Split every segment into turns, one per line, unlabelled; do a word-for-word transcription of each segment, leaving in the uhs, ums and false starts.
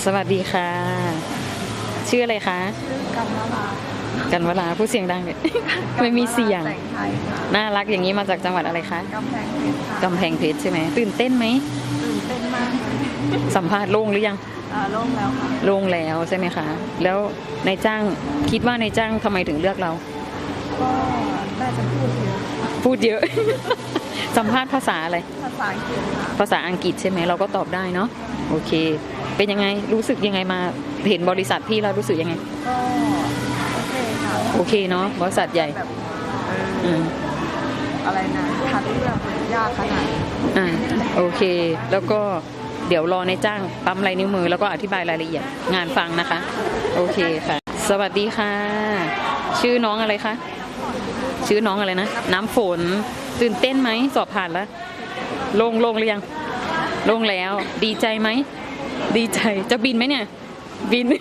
สวัสดีค่ะชื่ออะไรคะ
ชื่อกันวรา
กันวราผู้เสียงดังเนี่ยไม่มีเสียง
แต่งไทยค่ะ
น่ารักอย่างนี้มาจากจังหวัดอะไรคะ
กำแพงเพชรค่ะ
กำแพงเพชรใช่ไหมตื่นเต้นไหม
ตื่นเต้นมากเลย
สัมภาษณ์โล่งหรือยัง
อ่าโล่งแล้วค่ะ
โล่งแล้วใช่ไหมคะแล้วนายจ้างคิดว่านายจ้างทำไมถึงเลือกเรา
ก็ได้จะพูดเยอะ
พูดเยอะ สัมภาษณ์ภาษาอะไร
ภาษาอังกฤษค่ะ
ภาษาอังกฤษใช่ไหมเราก็ตอบได้เนาะโอเคเป็นยังไงรู้สึกยังไงมาเห็นบริษัทพี่เรารู้สึกยังไง
ก็โอเคค่ะ
โอเคเนาะบริษัทใหญ่
แบบเอออะไรนะคัดเลือกยากขนาด
อ่าโอเคแล้วก็เดี๋ยวรอในจ้างปั๊มลายนิ้วมือแล้วก็อธิบายรายละเอียดงานฟังนะคะโอเคค่ะสวัสดีค่ะชื่อน้องอะไรคะชื่อน้องอะไรนะน้ำฝนตื่นเต้นไหมสอบผ่านแล้วลงลงหรือยังลงแล้วดีใจไหมดีใจจะบินไหมเนี่ยบิน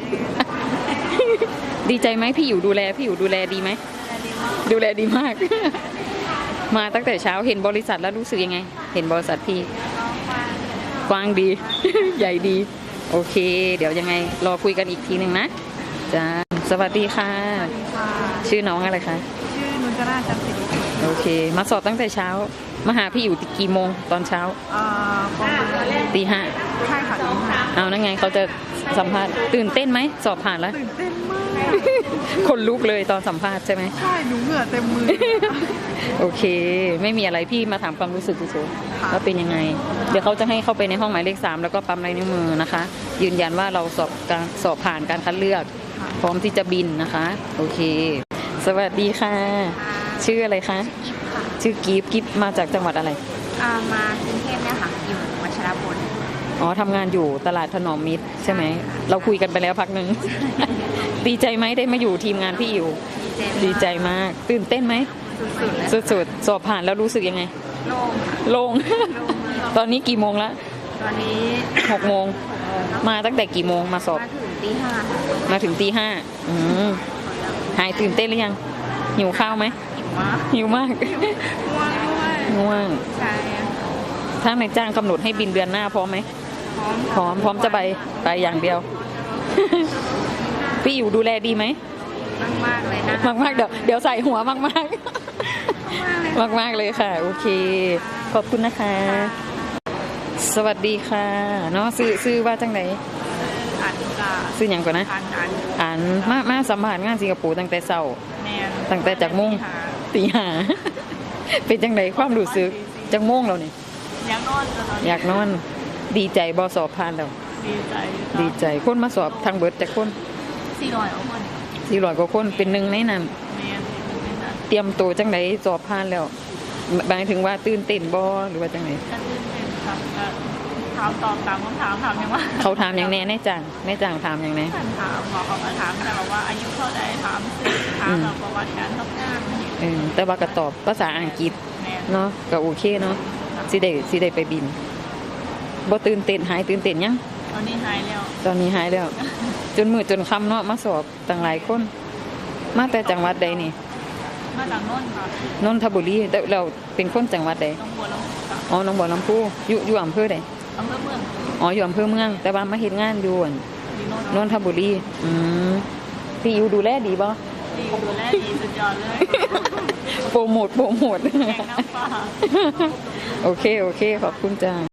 ดีใจไหมพี่อยู่ดูแลพี่อยู่ดูแลดีไหมดูแลดีมาก มาตั้งแต่เช้าเห็นบริษัทแล้วรู้สึกยังไงเห็นบริษัทพี่กว้างดี ใหญ่ดีโอเคเดี๋ยวยังไงรอคุยกันอีกทีหนึ่งนะจ้าสวัสดีค่ะชื่อน้องอะไรคะ
ชื่อนุจราจันทร์ศิริ
โอเคมาสอบตั้งแต่เช้ามาหาพี่อยู่กี่โมงตอนเช้า
อ่าประมาณ
ตีห้า
ใช่ค่ะตีห้า
เอานั่นไงเขาจะสัมภาษณ์ตื่นเต้นไหมสอบผ่านแล้ว
ตื่นเต้นมาก
คนลุกเลยตอนสัมภาษณ์ใช่ไหม
ใช่หนูเหงื่อเต็มมือ
โอเคไม่มีอะไรพี่มาถามความรู้สึกเฉยๆว่าเป็นยังไงเดี๋ยวเขาจะให้เข้าไปในห้องหมายเลขสามแล้วก็ปั๊มลายนิ้วมือนะคะยืนยันว่าเราสอบการสอบผ่านการคัดเลือกพร้อมที่จะบินนะคะโอเคสวัสดีค่ะชื่ออะไรคะชื่อกิฟกิฟมาจากจังหวัดอะไร
อ่ามากรุงเทพเนี่ยค่ะอยู่วัชรพล
อ๋อทำงานอยู่ตลาดถนอมมิตรใช่ไหมเราคุยกันไปแล้วพักหนึ่ง ดีใจไหมได้มาอยู่ทีมงานพี่อยู่ดีใจมากตื่นเต้นไหมสุดๆสอบผ่านแล้วรู้สึกยังไงโล่งตอนนี้กี่โมงแล้ว
ตอนนี้
หกโมงมาตั้งแต่กี่โมงมาสอบ
มาถึงตีห้า
มาถึงตีห้าอืมหายตื่นเต้นหรือยังหิวข้าวไหมหิวมาก
ง่วงด้วย
ง่วง
ใช่
ถ้านายจ้างกำหนดให้บินเดือนหน้าพร้อมไหมพร้อมพร้อมจะไปไปอย่างเดียว พี่อยู่ดูแลดีไหม
มากมากเลยนะ
มากมากเดี๋ยวเดี๋ยวใส่หัวมากมากมากมากเลยค่ะโอเคขอบคุณนะคะสวัสดีค่ะเนาะซื้อซื้อว่าจังไหน
อ่านกา
ซื้ออย่างก่อนนะ
อ่านอ่าน
อ่านมามาสัมผัสงานสิงคโปร์ตั้งแต่เช้าตั้งแต่จากมุ่งตีห้าเป็นจังไหนความรู้สึกจากมุ่งเราเนี่ย
อยากนอน
อยากนอนดีใจบอสอบผ่านแล้ว
ดีใจ
ดีใจคนมาสอบทางเบิร์ดจากคน
สี่ร้อยกว่าคน
สี่ร้อยกว่าคนเป็นหนึ่งในนั้นเตรียมตัวจังไหนสอบผ่านแล้วหมายถึงว่าตื่นเต้นบอหรือว่าจังไหน
ตื่นเต้นครับถามตอบตามคำถามถามยังว่า
เขาถามอย่างแน่แน่จังแน่จังถามอย่างแน่
ถามบอกเขามาถามแต่บอกว่าอายุเท่าไหร่ถามสื่อถามประวัติการทำงาน
เออแต่ว่าก็ตอบภาษาอังกฤษเนาะก็โอเคเนาะสิได้สิได้ไปบินบ่ตื่นเต้นหายตื่นเต้นยัง
ตอนนี้หายแล้ว
ตอนนี้หายแล้วจนมือจนค่ำเนาะมาสอบต่างหลายคนมาแต่จังหวัดใดนี่
มาจากนนท์ค่ะ
นนทบุรีเราเป็นคนจังหวัดใดอ๋อหนองบัวลำพูอยู่อยู่อำเภอใด
อำเภอเมือง
อ๋ออยู่อำเภอเมืองแต่ว่ามาเฮ็ดงานอยู่นนทบุรีอืมพี่อยู่ดูแลดีบ่
ดีดูแลดีสุดยอดเลย
โปรโมทโปรโมท
แกงน้ำปลา
โอเคโอเคขอบคุณจ้า